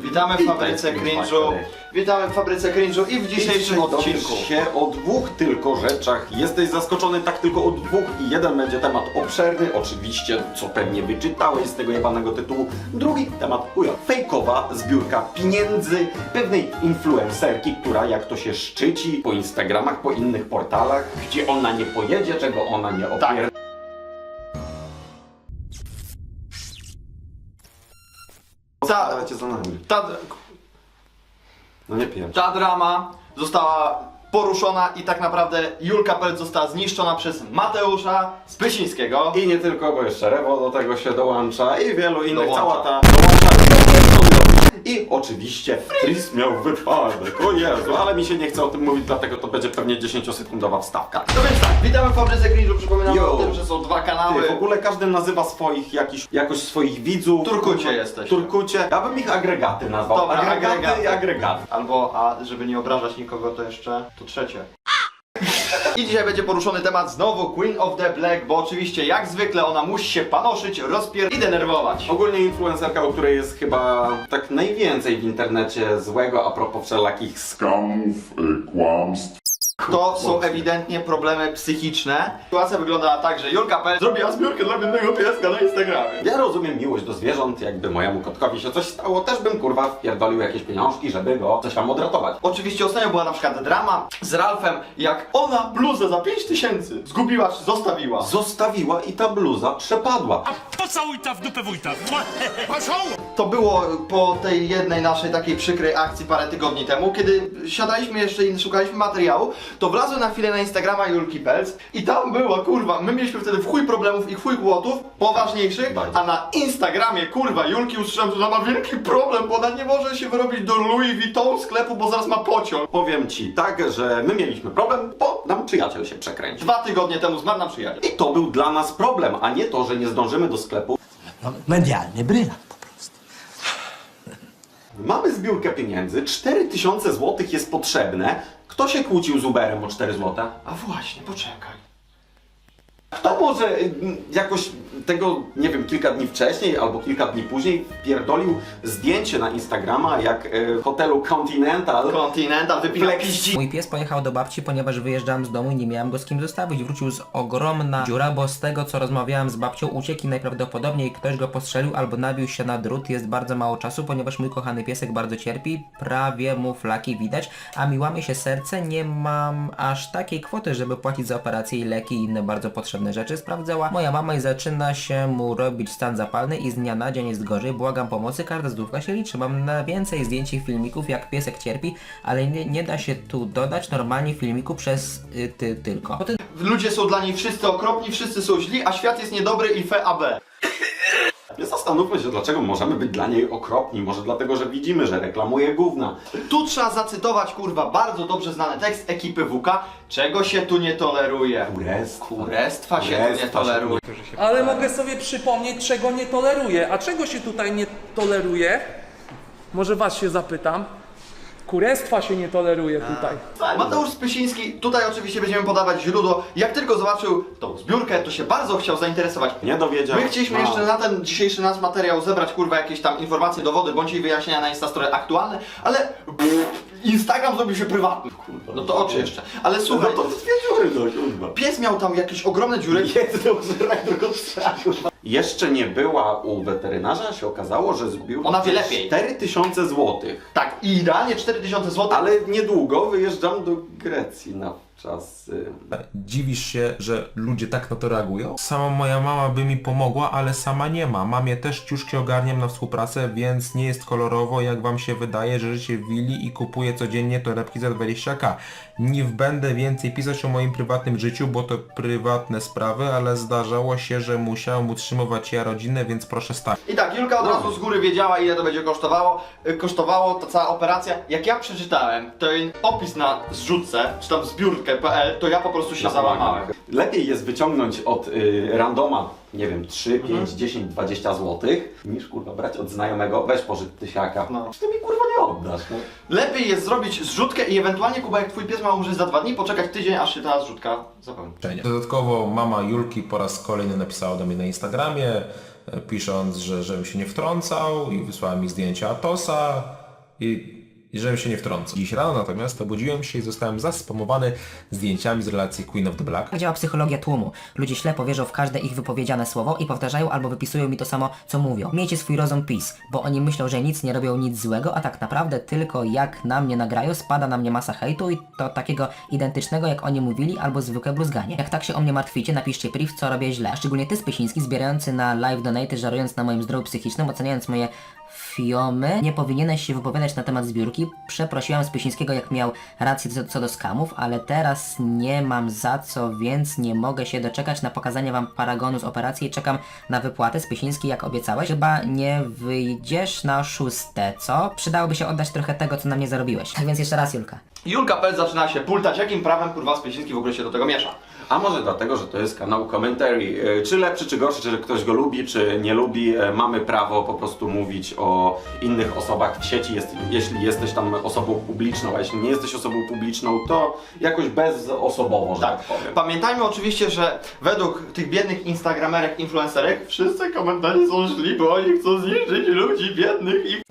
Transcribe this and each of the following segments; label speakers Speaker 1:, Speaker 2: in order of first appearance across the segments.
Speaker 1: Witamy w fabryce cringe'u. Witamy w fabryce cringe'u i w dzisiejszym odcinku
Speaker 2: się o dwóch tylko rzeczach. Jesteś zaskoczony tak tylko o dwóch i jeden będzie temat obszerny, oczywiście, co pewnie wyczytałeś z tego jebanego tytułu. Drugi temat chuja. Fejkowa zbiórka pieniędzy pewnej influencerki, która jak to się szczyci po Instagramach, po innych portalach, gdzie ona nie pojedzie, czego ona nie opier... Cię za nami. No nie pierdź.
Speaker 1: ta drama została poruszona i tak naprawdę Julka Pelc została zniszczona przez Mateusza Spysińskiego.
Speaker 2: I nie tylko, bo jeszcze Rewo do tego się dołącza i wielu innych,
Speaker 1: Dołącza.
Speaker 2: cała ta i oczywiście Tris miał wypadek, o Jezu, ale mi się nie chce o tym mówić, dlatego to będzie pewnie 10-sekundowa wstawka.
Speaker 1: No więc tak, witamy w fabryce cringe'u, przypominamy
Speaker 2: Yo.
Speaker 1: o tym, że są dwa kanały.
Speaker 2: Ty, w ogóle każdy nazywa swoich jakoś swoich widzów.
Speaker 1: Turkucie jesteście.
Speaker 2: Turkucie. Ja bym ich agregaty nazwał.
Speaker 1: Dobra,
Speaker 2: agregaty i agregaty.
Speaker 1: Albo, a żeby nie obrażać nikogo, to jeszcze to trzecie. I dzisiaj będzie poruszony temat znowu Queen of the Black, bo oczywiście jak zwykle ona musi się panoszyć, i denerwować.
Speaker 2: Ogólnie influencerka, u której jest chyba tak najwięcej w internecie złego a propos wszelakich
Speaker 3: skamów, kłamstw.
Speaker 1: To są ewidentnie problemy psychiczne. Sytuacja wyglądała tak, że Julka Pelc zrobiła zbiórkę dla biednego pieska na Instagramie.
Speaker 2: Ja rozumiem miłość do zwierząt, jakby mojemu kotkowi się coś stało, też bym kurwa wpierdolił jakieś pieniążki, żeby go coś tam odratować.
Speaker 1: Oczywiście ostatnio była na przykład drama z Ralfem, jak ona bluzę za 5000 zgubiła czy zostawiła.
Speaker 2: Zostawiła i ta bluza przepadła.
Speaker 4: Pocałuj ta w dupę wójta.
Speaker 1: To było po tej jednej naszej takiej przykrej akcji parę tygodni temu, kiedy siadaliśmy jeszcze i szukaliśmy materiału, to wlazłem na chwilę na Instagrama Julki Pelc i tam była, kurwa, my mieliśmy wtedy w chuj problemów i w chuj kłotów, poważniejszych,
Speaker 2: Bardzo.
Speaker 1: a na Instagramie, kurwa, Julki usłyszałem, że ona ma wielki problem, bo ona nie może się wyrobić do Louis Vuitton sklepu, bo zaraz ma pociąg.
Speaker 2: Powiem ci tak, że my mieliśmy problem, bo nam przyjaciel się przekręcił.
Speaker 1: 2 tygodnie temu zmarł nam przyjaciel.
Speaker 2: I to był dla nas problem, a nie to, że nie zdążymy do sklepu.
Speaker 5: No, medialny brylant po prostu.
Speaker 2: Mamy zbiórkę pieniędzy, 4000 zł jest potrzebne. Kto się kłócił z Uberem o 4 zł?
Speaker 1: A właśnie, poczekaj.
Speaker 2: Kto może jakoś tego, nie wiem, kilka dni wcześniej albo kilka dni później wpierdolił zdjęcie na Instagrama, jak w hotelu
Speaker 1: Continental wypina
Speaker 2: Flex.
Speaker 1: piździ.
Speaker 6: Mój pies pojechał do babci, ponieważ wyjeżdżałem z domu i nie miałem go z kim zostawić. Wrócił z ogromna dziura, bo z tego co rozmawiałem z babcią uciekł i najprawdopodobniej ktoś go postrzelił albo nabił się na drut. Jest bardzo mało czasu, ponieważ mój kochany piesek bardzo cierpi, prawie mu flaki widać, a mi łamie się serce, nie mam aż takiej kwoty, żeby płacić za operacje i leki i inne bardzo potrzebne rzeczy. Sprawdzała moja mama i zaczyna się mu robić stan zapalny i z dnia na dzień jest gorzej. Błagam pomocy, każda złotówka się liczy. Mam na więcej zdjęć i filmików jak piesek cierpi, ale nie da się tu dodać normalnie filmiku przez ty tylko. Potem
Speaker 1: Ludzie są dla niej wszyscy okropni, wszyscy są źli, a świat jest niedobry i FAB.
Speaker 2: Zastanówmy się, dlaczego możemy być dla niej okropni. Może dlatego, że widzimy, że reklamuje gówna.
Speaker 1: Tu trzeba zacytować, kurwa, bardzo dobrze znany tekst ekipy WK. Czego się tu nie toleruje? Kurestwa się tu nie toleruje.
Speaker 7: Ale mogę sobie przypomnieć, czego nie toleruję. A czego się tutaj nie toleruje? Może was się zapytam. Kurestwa się nie toleruje tutaj.
Speaker 1: Mateusz Spysiński, tutaj oczywiście będziemy podawać źródło. Jak tylko zobaczył tą zbiórkę, to się bardzo chciał zainteresować.
Speaker 2: Nie dowiedział.
Speaker 1: My chcieliśmy
Speaker 2: No.
Speaker 1: jeszcze na ten dzisiejszy nasz materiał zebrać, kurwa, jakieś tam informacje, dowody, bądź jej wyjaśnienia na Instastory aktualne, ale Instagram zrobił się prywatny. Kurwa, no to oczy jeszcze. Ale
Speaker 2: No
Speaker 1: słuchaj,
Speaker 2: to 2 dziury, no kurwa.
Speaker 1: pies miał tam jakieś ogromne dziury.
Speaker 2: Jeszcze nie była u weterynarza, a się okazało, że zbił
Speaker 1: Ona wie lepiej.
Speaker 2: 4000 zł.
Speaker 1: Tak, i idealnie 4000 zł.
Speaker 2: Ale niedługo wyjeżdżam do Grecji na czas.
Speaker 8: Dziwisz się, że ludzie tak na to reagują? Sama moja mama by mi pomogła, ale sama nie ma. Mamie też ciuszki ogarniam na współpracę, więc nie jest kolorowo, jak wam się wydaje, że życie w willi i kupuję codziennie torebki za 20k. Nie będę więcej pisać o moim prywatnym życiu, bo to prywatne sprawy, ale zdarzało się, że musiałem utrzymywać ja rodzinę, więc proszę stać.
Speaker 1: I tak, Julka od razu z góry wiedziała, ile to będzie kosztowało. Kosztowało ta cała operacja. Jak ja przeczytałem ten opis na zrzutce, czy tam zbiórkę.pl, to ja po prostu się załamałem.
Speaker 2: Lepiej jest wyciągnąć od randoma, nie wiem, 3, 5, 10, 20 zł, niż kurwa brać od znajomego, weź pożycz tysiaka.
Speaker 1: No.
Speaker 2: Ty mi kurwa nie oddasz. No.
Speaker 1: Lepiej jest zrobić zrzutkę i ewentualnie, Kuba, jak twój pies ma umrzeć za 2 dni, poczekać tydzień, aż się ta zrzutka zapełni.
Speaker 8: Dodatkowo mama Julki po raz kolejny napisała do mnie na Instagramie, pisząc, żebym się nie wtrącał i wysłałem mi zdjęcia Atosa i żebym się nie wtrącał. Dziś rano natomiast obudziłem się i zostałem zaspamowany zdjęciami z relacji Queen of the Black.
Speaker 6: Jak działa psychologia tłumu? Ludzie ślepo wierzą w każde ich wypowiedziane słowo i powtarzają albo wypisują mi to samo, co mówią. Miejcie swój rozum peace, bo oni myślą, że nic nie robią nic złego, a tak naprawdę tylko jak na mnie nagrają, spada na mnie masa hejtu i to takiego identycznego, jak oni mówili, albo zwykłe bluzganie. Jak tak się o mnie martwicie, napiszcie priv, co robię źle. Szczególnie ty, Spysiński, zbierający na live donaty, żarując na moim zdrowiu psychicznym, oceniając moje fiomy. Nie powinieneś się wypowiadać na temat zbiórki. Przeprosiłem Spysińskiego, jak miał rację co do skamów, ale teraz nie mam za co, więc nie mogę się doczekać na pokazanie wam paragonu z operacji i czekam na wypłatę. Spysiński, jak obiecałeś, chyba nie wyjdziesz na 6, co? Przydałoby się oddać trochę tego, co na mnie zarobiłeś. Tak więc jeszcze raz, Julka.
Speaker 1: Julka Pel zaczyna się pultać, jakim prawem kurwa Spysiński w ogóle się do tego miesza.
Speaker 2: A może dlatego, że to jest kanał commentary. Czy lepszy, czy gorszy, czy ktoś go lubi, czy nie lubi, mamy prawo po prostu mówić o innych osobach w sieci, jeśli jesteś tam osobą publiczną, a jeśli nie jesteś osobą publiczną, to jakoś bezosobowo, że tak powiem.
Speaker 1: Pamiętajmy oczywiście, że według tych biednych instagramerek, influencerek, wszyscy komentarze są źli, bo oni chcą zniszczyć ludzi biednych i...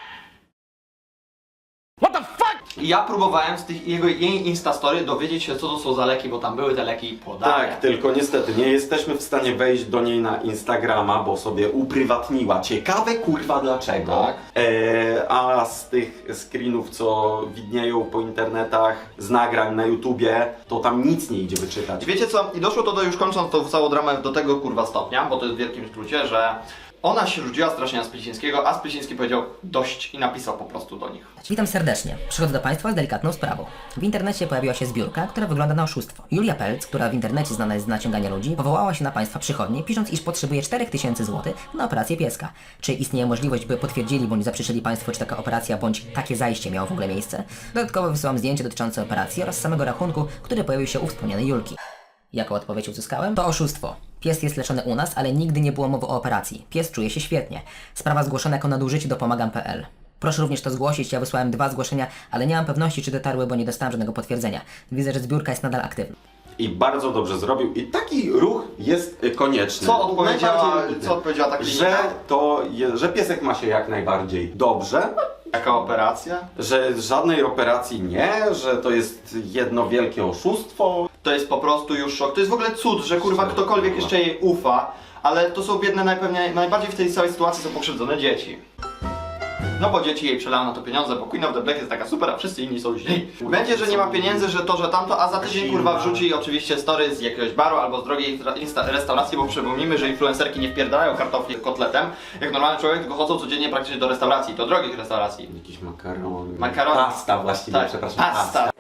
Speaker 1: I ja próbowałem z tych jej instastory dowiedzieć się, co to są za leki, bo tam były te leki podane.
Speaker 2: Tak, tylko niestety nie jesteśmy w stanie wejść do niej na Instagrama, bo sobie uprywatniła. Ciekawe kurwa dlaczego.
Speaker 1: Tak.
Speaker 2: A z tych screenów, co widnieją po internetach, z nagrań na YouTubie, to tam nic nie idzie wyczytać.
Speaker 1: Wiecie co? I doszło to do, już kończąc tą całą dramę, do tego kurwa stopnia, bo to jest w wielkim skrócie, że ona się rzuciła strasznie na Spysińskiego, a Spysiński powiedział dość i napisał po prostu do nich.
Speaker 6: Witam serdecznie. Przychodzę do Państwa z delikatną sprawą. W internecie pojawiła się zbiórka, która wygląda na oszustwo. Julia Pelc, która w internecie znana jest z naciągania ludzi, powołała się na Państwa przychodnie, pisząc, iż potrzebuje 4000 zł na operację pieska. Czy istnieje możliwość, by potwierdzili bądź zaprzeczyli Państwo, czy taka operacja bądź takie zajście miało w ogóle miejsce? Dodatkowo wysyłam zdjęcie dotyczące operacji oraz samego rachunku, który pojawił się u wspomnianej Julki. Jaką odpowiedź uzyskałem? To oszustwo. Pies jest leczony u nas, ale nigdy nie było mowy o operacji. Pies czuje się świetnie. Sprawa zgłoszona jako nadużycie do pomagam.pl. Proszę również to zgłosić, ja wysłałem 2 zgłoszenia, ale nie mam pewności, czy dotarły, bo nie dostałem żadnego potwierdzenia. Widzę, że zbiórka jest nadal aktywna.
Speaker 2: I bardzo dobrze zrobił. I taki ruch jest konieczny.
Speaker 1: Co odpowiedziała ta
Speaker 2: że
Speaker 1: klinika?
Speaker 2: że piesek ma się jak najbardziej dobrze.
Speaker 1: Jaka operacja?
Speaker 2: Że żadnej operacji nie, że to jest jedno wielkie oszustwo.
Speaker 1: To jest po prostu już szok. To jest w ogóle cud, że kurwa ktokolwiek jeszcze jej ufa, ale to są biedne najbardziej w tej całej sytuacji są pokrzywdzone dzieci. No bo dzieci jej przelały na to pieniądze, bo Queen of the Black jest taka super, a wszyscy inni są źli. Będzie, że nie ma pieniędzy, że to, że tamto, a za tydzień kurwa wrzuci oczywiście story z jakiegoś baru albo z drogiej restauracji, bo przypomnijmy, że influencerki nie wpierdalają kartofli kotletem, jak normalny człowiek, tylko chodzą codziennie praktycznie do restauracji, do drogich restauracji.
Speaker 2: Jakieś makarony.
Speaker 1: Makarony.
Speaker 2: Pasta właściwie,
Speaker 1: Tak,
Speaker 2: przepraszam.
Speaker 1: pasta.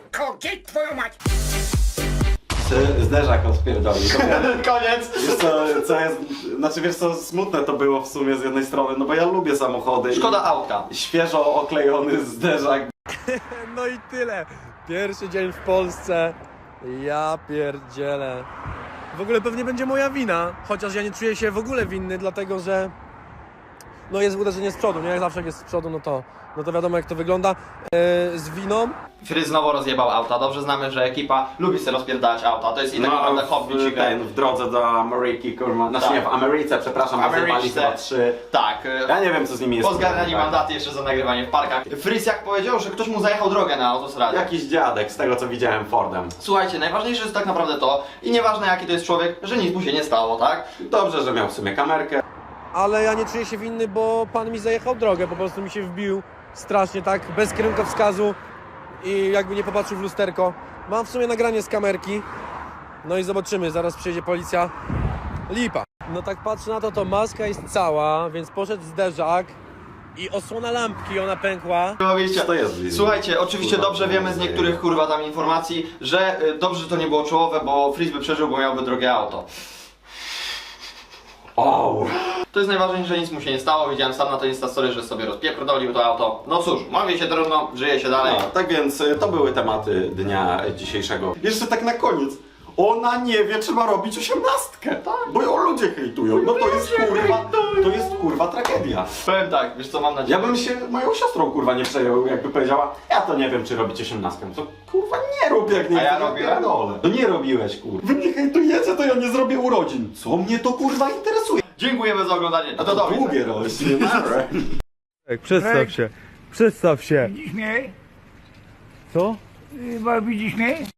Speaker 2: Zderzak odpierdolił.
Speaker 1: Koniec!
Speaker 2: Wiesz co jest, znaczy wiesz co, smutne to było w sumie z jednej strony, no bo ja lubię samochody.
Speaker 1: Szkoda autka.
Speaker 2: Świeżo oklejony zderzak.
Speaker 9: No i tyle. Pierwszy dzień w Polsce. Ja pierdzielę. W ogóle pewnie będzie moja wina, chociaż ja nie czuję się w ogóle winny, dlatego że no jest uderzenie z przodu, nie? Jak zawsze jak jest z przodu, no to wiadomo jak to wygląda. Z winą.
Speaker 1: Fry znowu rozjebał auta. Dobrze znamy, że ekipa lubi sobie rozpierdalać auta. To jest i tak naprawdę hobby
Speaker 2: w drodze do Ameryki, kurwa, znaczy
Speaker 1: Tak.
Speaker 2: nie, w Ameryce, przepraszam, rozjebali chyba 3.
Speaker 1: Tak.
Speaker 2: Ja nie wiem co z nimi jest.
Speaker 1: Pozgarniali mandaty jeszcze za nagrywanie w parkach. Fris jak powiedział, że ktoś mu zajechał drogę na autostradzie.
Speaker 2: Jakiś dziadek, z tego co widziałem Fordem.
Speaker 1: Słuchajcie, najważniejsze jest tak naprawdę to, i nieważne jaki to jest człowiek, że nic mu się nie stało, tak?
Speaker 2: Dobrze, że miał w sumie kamerkę.
Speaker 9: Ale ja nie czuję się winny, bo pan mi zajechał drogę, po prostu mi się wbił strasznie tak, bez kierunkowskazu i jakby nie popatrzył w lusterko. Mam w sumie nagranie z kamerki, no i zobaczymy, zaraz przyjedzie policja. Lipa. No tak patrzę na to maska jest cała, więc poszedł zderzak i osłona lampki, ona pękła.
Speaker 1: Wiecie,
Speaker 2: To jest
Speaker 1: słuchajcie, oczywiście
Speaker 2: kurwa,
Speaker 1: dobrze wiemy z niektórych kurwa tam informacji, że dobrze, że to nie było czołowe, bo Fris by przeżył, bo miałby drogie auto.
Speaker 2: O,
Speaker 1: To jest najważniejsze, że nic mu się nie stało. Widziałem sam na to Instastory, że sobie rozpierdolił to auto. No cóż, mówi się trudno, żyje się dalej.
Speaker 2: no, tak więc to były tematy dnia dzisiejszego. Jeszcze tak na koniec. Ona nie wie, czy ma robić 18. Tak. Bo ją ludzie hejtują. No to jest kurwa tragedia.
Speaker 1: Powiem tak, wiesz co, mam nadzieję.
Speaker 2: Ja bym się moją siostrą kurwa nie przejął, jakby powiedziała, ja to nie wiem, czy robić 18. To kurwa nie rób jak nie
Speaker 1: A ja
Speaker 2: chcesz,
Speaker 1: robiłem?
Speaker 2: pierdolę. No nie robiłeś kurwa. Wy mnie hejtujecie, to ja nie zrobię urodzin. Co mnie to kurwa interesuje?
Speaker 1: Dziękujemy za oglądanie. No to do widzenia.
Speaker 2: Długie rośnie.
Speaker 9: Przedstaw się. Przedstaw się.
Speaker 10: Widzisz mnie?
Speaker 9: Co?
Speaker 10: Widzisz mnie?